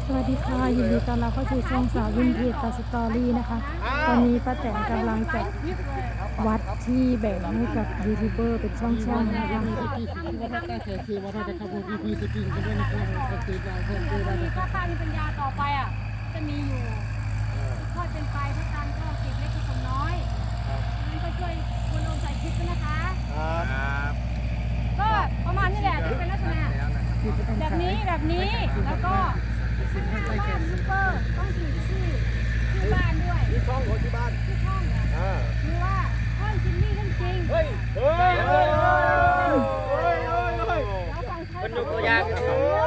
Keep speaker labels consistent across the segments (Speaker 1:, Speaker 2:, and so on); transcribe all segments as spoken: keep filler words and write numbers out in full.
Speaker 1: วัสดีค่ะยินดีต้อนรับเข้าสู่ช่องสาววินเทจตัดสตอรี่นะคะตอนนี้ป้าแตนกำลังจัดวัดที่แบ่งให้กับยูทูบเบอร์เป็นช่องๆนะคะ
Speaker 2: ถ้าตามีปัญญาต่อไปอ่ะจะมีอยู่ค่อยเป็นไปพระจันทร์ก็เก็บเล็กผสมน้อยงั้นก็ช่วยคุณลงใส่คลิปด้วยนะคะก็ประมาณนี้แหละที่เป็นลักษณะแบบนี้แบบนี้แล้วก็ข้างหน้าบ้านซูเปอร์ต้องถือชื่อชื่อบ้านด้วย
Speaker 3: ที่ช่องรถที่บ้าน
Speaker 2: ชื่อช่องเนี่ย
Speaker 3: อ่า
Speaker 2: หรือว่าช่องจิมมี่เรื่องจริง
Speaker 3: เฮ้ย เฮ้ย เฮ้ย เฮ้ย เฮ้ย เฮ้ย
Speaker 2: แล้วฟังใช้
Speaker 4: เป็นตัวอย่างเป็น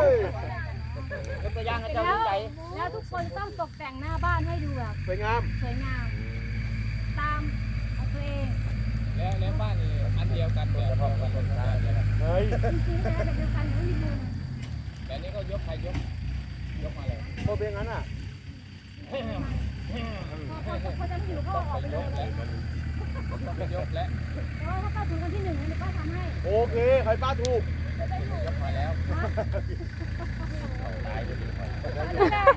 Speaker 4: ตัวอย่างให้เจ้า
Speaker 2: แล้ว
Speaker 4: ดูใจ
Speaker 2: แล้วทุกคนต้องตกแต่งหน้าบ้านให้ดูแบบ
Speaker 3: สวยงาม
Speaker 2: สวยงามตามเอาตัวเอง
Speaker 4: แล้วแล้วบ้านนี่อันเดียวกันแบบพอกัน
Speaker 3: เฮ้ย
Speaker 2: จริงๆแล้วแบบเดียวกันไม่มีมุม
Speaker 4: แต่นี้ก็ยกใครยกยกมาเลย
Speaker 3: โคเป็นงั้นอ่ะ
Speaker 2: พอพอพอจะหิวก็ออกไปเลย
Speaker 4: ต้องไปยกและ
Speaker 2: แต่ว่าถ้าป้าถูกวันที่หนึ่งเนี่ยป้าทำให้
Speaker 3: โอเค ใครป้าถูก
Speaker 4: ยกมาแล้ว
Speaker 2: นะ
Speaker 4: ตายจะดีกว่า
Speaker 2: อันนี้แหละ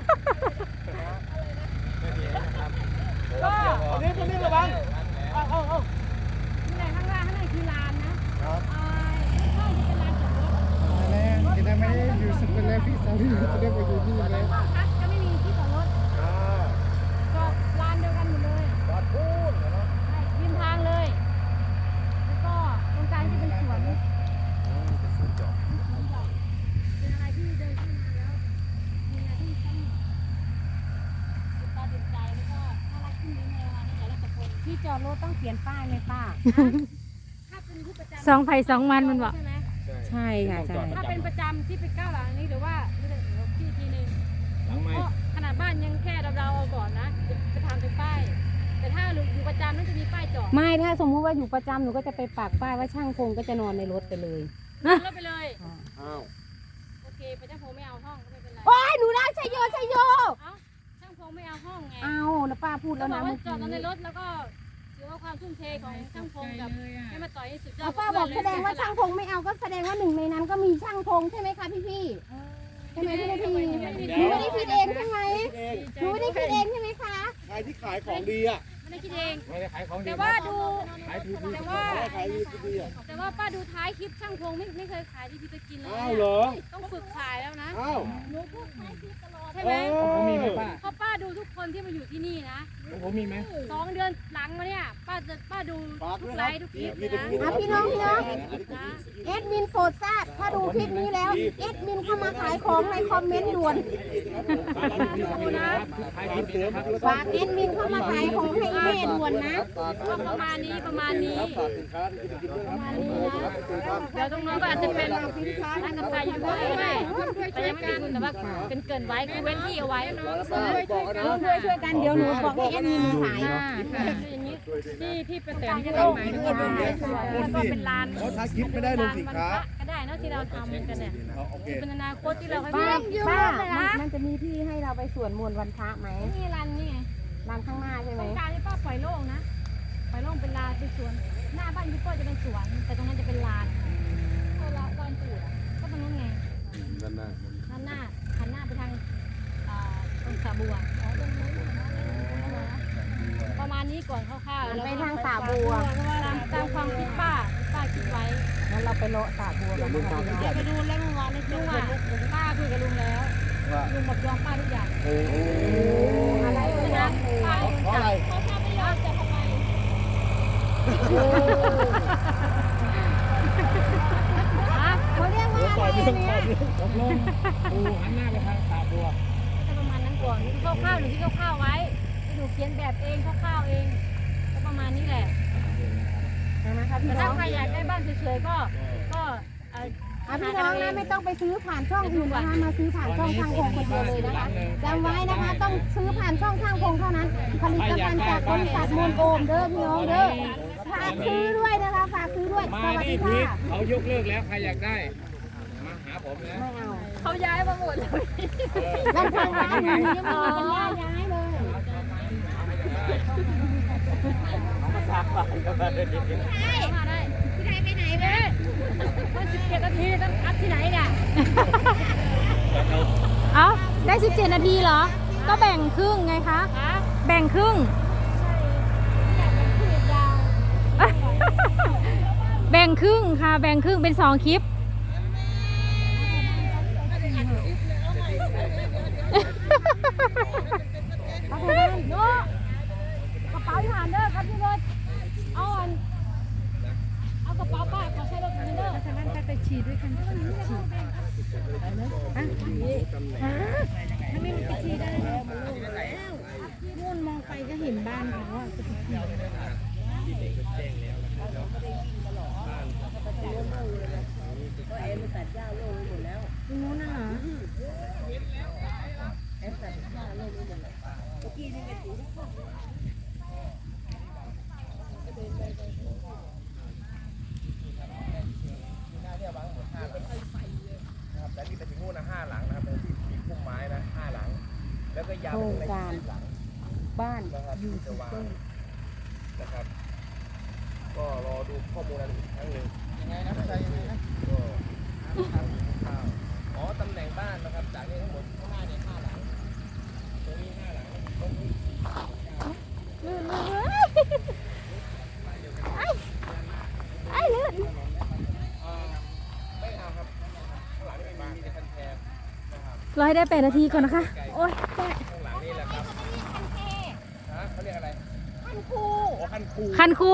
Speaker 2: ก็
Speaker 3: คนนี้คนนี้ระวังเอาเอาเอา
Speaker 2: นี่แหละข้างล่างข้างในคือลานนะครับ อ่าข้างจะเป็นลานจอดรถ
Speaker 5: แล้วจะได้ไม่ได้อยู่สุดเป็นแล้วพี่สาวจะได้ไปอยู่ที่นี่แล้ว
Speaker 2: ก็พักจะไม่มีที่จอดรถ
Speaker 3: อ่า
Speaker 2: จอดลานเดียวกันหมดเลย
Speaker 3: จอดพูดเนาะ
Speaker 2: ใช่ริมทางเลย แล้วก็ตรงกลางจะเป็นสวนเป็นสวนดอกเป็นอะไรที่เดินขึ้นมาแล้วมีอะไรที่ต้องติดตาติดใจแล้วก็น่ารักขึ้นนิดนึงในแต่ละคนที่จอดรถต้องเขียนป้ายไหมป้าถ้าเป็นที่ประจำ
Speaker 1: สองไผ่สองมันมันบอก
Speaker 2: ใช่ไหม
Speaker 5: ใช่ค่ะใช่
Speaker 2: ถ้าเป็นประจำที่ไปก้าวหลังนี้หรือว่าเดี๋ยวที่ทีนึง
Speaker 4: หลังไม้
Speaker 2: เพราะขนาดบ้านยังแค่เราๆเอาก่อนนะจะจะทำเป็นป้าย แต่ถ้าอยู่ประจำนั่นจะมีป้ายจอด
Speaker 6: ไม่ถ้าสมมุติว่าอยู่ประจำหนูก็จะไปปักป้ายว่าช่างพงก็จะนอนในรถไปเลย
Speaker 2: รถไปเลย
Speaker 3: อ้าว
Speaker 2: โอเคพระเจ้าพงไม่เอาห้องก็ไม่เป็นไร
Speaker 6: โอ้ยหนูได้ชัยโยชัยโย
Speaker 2: เอ้าช่างพงไม่เอาห้องไง
Speaker 6: เอานะป้าพูด
Speaker 2: แล้
Speaker 6: แล้ว ว
Speaker 2: บอก
Speaker 6: นะ
Speaker 2: ว่า
Speaker 6: เมื่อ
Speaker 2: จอดใน
Speaker 6: กี้
Speaker 2: รถแล้วก็ถือว่าความทุ่มเทของช่างพงกับให้มาต่อยให้สุดยอ
Speaker 6: เอา
Speaker 2: ด
Speaker 6: ป้าบอกแสดงว่าช่างพงไม่เอาก็แสดงว่าหนึ่งในนั้นก็มีช่างพงใช่ไหมคะพี่พี่ๆใช่ไหมพี่พี่หนูไม่ได้คิดเองใช่ไหม
Speaker 3: เอง
Speaker 6: หนูไม่ได้คิดเองใช่ไหมคะ
Speaker 3: ใครที่ขายของดีอ่ะ
Speaker 2: ไม่ได้คิดเอง
Speaker 4: ไม่ได้ขายของดี
Speaker 2: แต่ว่าดู
Speaker 4: ขายทีพี
Speaker 2: แต่ว่า
Speaker 3: ใครขายดีดีอ่ะ
Speaker 2: แต่ว่าป้าดูท้ายคลิปช่างพงไม่ไม่เคยขายที่พี่จะกินเลย
Speaker 3: อ้าวเหรอ
Speaker 2: ต้องฝึกขายแล้วนะ
Speaker 3: อ้าว
Speaker 2: หนูพูดท้ายคลิปตลอดใช่ไหม
Speaker 4: ผมมีไหมป้า
Speaker 2: เพราะป้าดูทุกคนที่มาอยู่ที่นี่นะ
Speaker 4: ผมมีไหม
Speaker 2: สองเดือนหลังมาเนี่ยป้าจะป้าดู
Speaker 3: ฝาก
Speaker 2: ทุ
Speaker 3: ด้ว
Speaker 2: ก
Speaker 3: ย
Speaker 2: ไล
Speaker 3: นะ
Speaker 2: ฟ์ทุกคลิปเลย
Speaker 6: อ่ะ
Speaker 2: นะ
Speaker 6: พี่น้องพี่น้อง
Speaker 2: นะ
Speaker 6: เอ็ดมินโปรดทราบถ้าดูคลิปนี้แล้วเอ็ดมินเข้ามาขายของในคอมเมนต์ด่วน
Speaker 2: ดูนะ
Speaker 4: ขายทีนะครับ
Speaker 6: ฝากเอ็ดมินเข้ามาขายของให้แม่ด่วนนะ
Speaker 2: ก็ประมาณนี้ประมาณนี้
Speaker 3: ฝากสินค้าที่จะกินด้วย
Speaker 2: ประมาณนี้นะเดี๋ยวตรงนู้นก็อาจจะเป็นร้านกาแฟอยู่ด้วยไม่แต่ยังไม่ได้คุณแต่ว่าเป็นเกินไว้คือเว้นที่เอาไว้
Speaker 3: บอกนะ
Speaker 6: ร่วมด้วยช่วยกันเดี๋ยวหนูบอกให้เอ็ดมินขาย
Speaker 2: อย่างนี้ที่ที่เป็นแต่ที่เราหมายถึงว่าแล้วก็เป็นลาน
Speaker 3: เขาท้ายคลิปไม่ได้ลงสินค้า
Speaker 2: ก็ได้เนาะที่เราทำกันเนี่ย
Speaker 3: โอเค
Speaker 2: เป็นอนาคตที่เราให้
Speaker 6: ป้า
Speaker 2: เย
Speaker 6: ป้า
Speaker 2: อะเลย
Speaker 6: มัน
Speaker 2: นะ
Speaker 6: มันจะมีที่ให้เราไปสวดมนต์วันพระไหม
Speaker 2: นี่ลานนี่ไง
Speaker 6: ร้านข้างหน้าใช่ไห
Speaker 2: ต
Speaker 6: ม
Speaker 2: รงกลางที่ป้าปล่อยโล่งนะปล่อยโล่งเป็นลานเป็นสวน หน้าบ้านยูโก้จะเป็นสวน แต่ตรงนั้นจะเป็นลานก็ละลานปูดอ่ะก็ตรงนู้นไง
Speaker 3: ด้านหน้า
Speaker 2: ด้านหน้าหันหน้าไปทางอ่าตรงสาบัวอ๋อตรงนู้นประมาณนี้ก่อนคร่าวๆ
Speaker 6: มัน
Speaker 2: แล้ว
Speaker 6: ไป
Speaker 2: ก็
Speaker 6: ทางสาบัว
Speaker 2: ตามตามความคิดป้าป้าคิดไว้
Speaker 6: งั้นเราไปเลาะสาบัวกันนะคะพี่น้อง
Speaker 2: เดี๋ยวไปดูแล้วเมื่อวานในลุงอ่ะป้าคุยกับลุงแล้ว
Speaker 3: ว่า
Speaker 2: ลุงบอกยอมป้าทุกอย่าง
Speaker 3: โอ้โห
Speaker 2: อะไรเลยนะป้าให้ลุง
Speaker 3: เพราะ
Speaker 2: จั
Speaker 3: อะไร
Speaker 2: บเขาถ้าไม่ยอมจะทำไม
Speaker 6: เขาเรียกว่าอะไรเนี่ย
Speaker 4: ตกลงปูหันหน้าไปทางสาบัว
Speaker 2: ก็ประมาณนั้นก่อนคร่าวๆหรือที่คร่าวๆไว้ที่หนูเขียนแบบเองคร่าวๆเองก็ประมาณนี้แหละ
Speaker 6: นะคะ
Speaker 2: แต่
Speaker 6: พี่น้
Speaker 2: ถ้า
Speaker 6: อง
Speaker 2: ใครอยากได้บ้านเฉยๆก็ก็เอ่อ
Speaker 6: อ่ะพี่น้องนะไม่ต้องไปซื้อผ่านช่องอื่นนะคะมาซื้อผ่านช่องทางพงคนเดียวเลยนะคะจำไว้นะคะต้องซื้อผ่านช่องทางพงเท่านั้น ผลิตภัณฑ์จากบริษัทมูลโอมเด้อพี่น้องเด้อฝากซื้อด้วยนะคะฝากซื้อด้วยส
Speaker 4: มา
Speaker 6: วัส
Speaker 4: นี่
Speaker 6: ดี
Speaker 4: พี
Speaker 6: ค่ะ
Speaker 4: ทเขายกเลิกแล้วใครอยากได้ มาหาผมนะ
Speaker 6: ไม่เอา
Speaker 2: เขาย้ายมาหมดเลย
Speaker 6: ลำพังร้านหนูยังไม่มีปัญญาย้ายเลย
Speaker 2: มาได้ที่ไหนไปไหนเด้มันสิบเจ็ดนาทีต้องอัดที่ไหนเนี่ย
Speaker 1: เอาได้สิบเจ็ดนาทีเหรอ ก็แบ่งครึ่งไงคะ
Speaker 2: ฮะ
Speaker 1: แบ่งครึ่ง
Speaker 2: อยากเป็นคลิปยาว
Speaker 1: แบ่งครึ่งค่ะ แบ่งครึ่งเป็นสองคลิป
Speaker 2: เอาไปเลยโน้กระเป๋าที่หันเด้อครับพี่รถเอาอันเอากระเป๋าป้าขอใช้รถคันเด้อฉะนั้นไปฉีดด้วยกันฉีดอ่ะถ้าไม่มันไปฉีดได้แล้วมันลงแล้วพี่มุ่นมองไปก็เห็นบ้านเขาอ่ะจะไปฉีดตรงนู้นน่ะเหรอ
Speaker 3: นะครับและนี่ไปถึงนู่นนะห้าหลังนะครับเป็นที่มีพุ่มไม้นะห้าหลัง แล้วก็ยาวไปถึงในสิบหลังบ้านนะครับยูทูบเบอร์นะครับ ก็รอดูข้อมูลอะไรอีกครั้งหนึ่งยังไงนะไม่ใช่ยังไงนะก็อ๋อตำแหน่งบ้านนะครับจากนี้ทั้งหมดข้างหน้าเนี่ยห้าหลังตรงนี้ห้าหลังตรงนี้สี่หลัง
Speaker 6: ลื่นลื่นไอ้ไอ้ลื่น
Speaker 3: ไม่เอาครับข้างหลังนี่เป็นบ้านในคันแคบนะครับ
Speaker 1: รอให้ได้แปดนาทีก่อนนะคะ โอ๊ยแปด
Speaker 3: ข้างหลังนี่แหละครับฮะเขาเรียกอะไร
Speaker 6: คันคู
Speaker 3: โอ้คันคู
Speaker 1: คันครู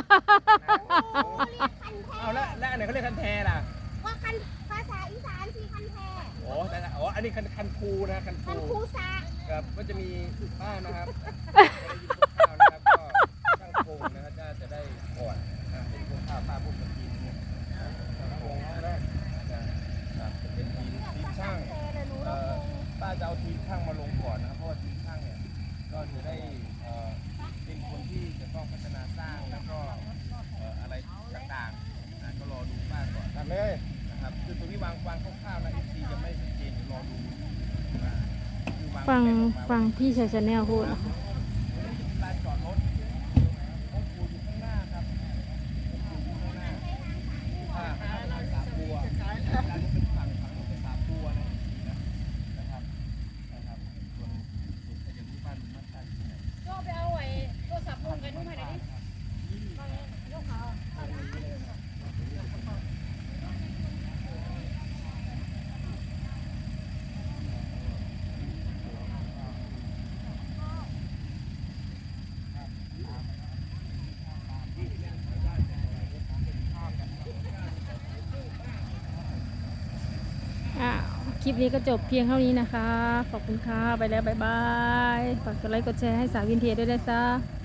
Speaker 3: เอาแล้วแล้วอันไหนเขาเรียกคันแทล่ะ
Speaker 6: ว่าคันภาษาอีสานสีคันแท
Speaker 3: โอ้แต่อ๋ออันนี้คันคันคูนะคัน
Speaker 6: คัน
Speaker 3: คู
Speaker 6: คูซา
Speaker 3: ครับก็จะมีบ้านนะครับไม่ได้ยินข้าวนะครับก็ช่างโครงนะครับจะจะได้ก่อนนะเป็นพวกข้าวป้าพวกมันกินเนี่ยช่างโครงแรกนะครับจะเป็นทีมทีมช่างเอ่อป้าจะเอาทีมช่างมาลงก่อนนะครับเพราะว่าทีมช่างเนี่ยก็จะได้เอ่อเป็นคนที่จะต้องพัฒนาสร้างแล้วก็เอ่ออะไรต่างๆนะก็รอดูป้าก่อนทำเลยนะครับคือตรงนี้วางวางคร่าวๆนะ เอฟ ซี ยังไม่ชัดเจนรอดูนะคือวา
Speaker 1: ฟัง
Speaker 3: แผนออกมา
Speaker 1: ฟังพี่ชายชาแนลพูดนะคะ
Speaker 3: ลานจอดรถองค์ปู่อยู่ข้างหน้าครับองค์ปู่อยู่ข้างหน้าอ่าร้านสาบัวร้านนี้เป็นฝั่งฝั่งนู้นเป็นสาบัวนะนะครับนะครับส่วนส่วนขยันที่บ้านมันตั้งที่ไหน
Speaker 2: ก็ไปเอาไอ้โทรศัพท์ลุงกันนุ่มให้หน่อยดิยกเขา
Speaker 1: อ่ะคลิปนี้ก็จบเพียงเท่านี้นะคะ ขอบคุณค่ะ ไปแล้ว บ๊ายบาย ฝากกดไลค์กดแชร์ให้สาววินเทจด้วยนะจ๊ะ